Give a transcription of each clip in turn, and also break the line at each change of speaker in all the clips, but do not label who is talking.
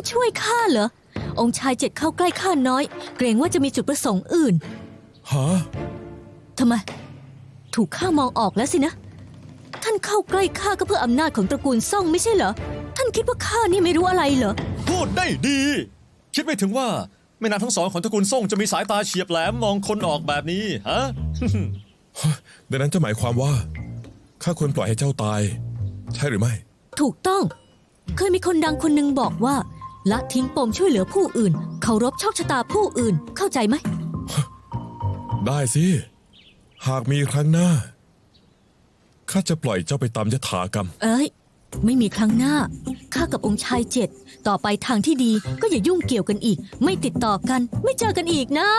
ช่วยข้าเหรอองค์ชายเจ็ดเข้าใกล้ข้าน้อยเกรงว่าจะมีจุดประสงค์อื่น
ฮะ
ทำไมถูกข้ามองออกแล้วสินะท่านเข้าใกล้ข้าก็เพื่ออำนาจของตระกูลซ่องไม่ใช่เหรอท่านคิดว่าข้านี่ไม่รู้อะไรเหรอ
พูดได้ดี คิดไม่ถึงว่าแม่นางทั้งสองของตระกูลซ่งจะมีสายตาเฉียบแหลมมองคนออกแบบนี้ฮะ
ดังนั้นจะหมายความว่าข้าควรปล่อยให้เจ้าตายใช่หรือไม่
ถูกต้องเคยมีคนดังคนหนึ่งบอกว่าละทิ้งปมช่วยเหลือผู้อื่นเคารพโชคชะตาผู้อื่นเข้าใจไหม
ได้สิหากมีครั้งหน้าข้าจะปล่อยเจ้าไปตามยถากรรม
เอ้ยไม่มีครั้งหน้าข้ากับองค์ชายเจ็ดต่อไปทางที่ดีก็อย่ายุ่งเกี่ยวกันอีกไม่ติดต่อกันไม่เจอกันอีกนะ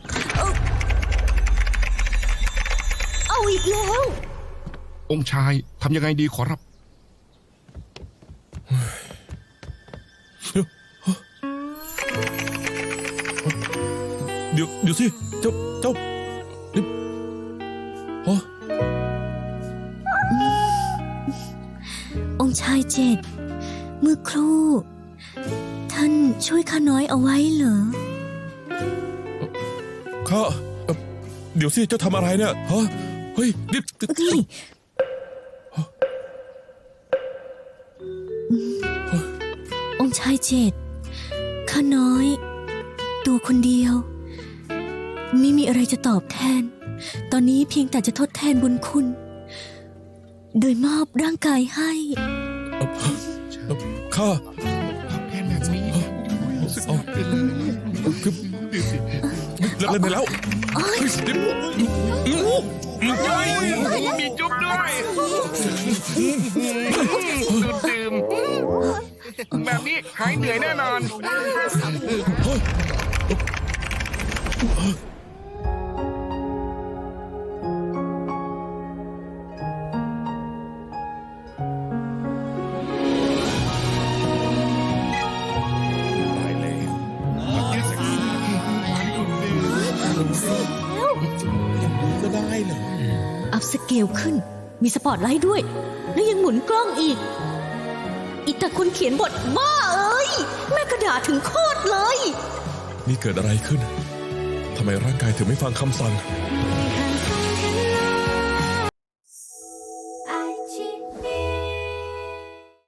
เอาอีกแล้ว
องค์ชายทำยังไงดีขอรับ
เดี๋ยวสิเจ้านี่ฮะ
องค์ชายเจ็ดเมื่อครู่ท่านช่วยข้าน้อยเอาไว้เหรอ
ข้าเดี๋ยวสิเจ้าทำอะไรเนี่ยฮะเฮ้ยรีบ
องค์ชายเจ็ดข้าน้อยตัวคนเดียวไม่มีอะไรจะตอบแทนตอนนี้เพียงแต่จะทดแทนบุญคุณโดยมอบร่างกายให้
ข้า
แค่แบบนี้รู้สึกเป็น
เลิกเล่นไปแล้ว
มีจุ๊บด้วยดื่มแบบนี้หายเหนื่อยแน่นอน
ก็ได้เหรอ
อัพสเกลขึ้นมีสปอตไลท์ด้วยแล้วยังหมุนกล้องอีกแต่คนเขียนบทบ้าเอ้ยแม่กระดาษถึงโคตรเลย
นี่เกิดอะไรขึ้นทำไมร่างกายถึงไม่ฟังคำสั่ง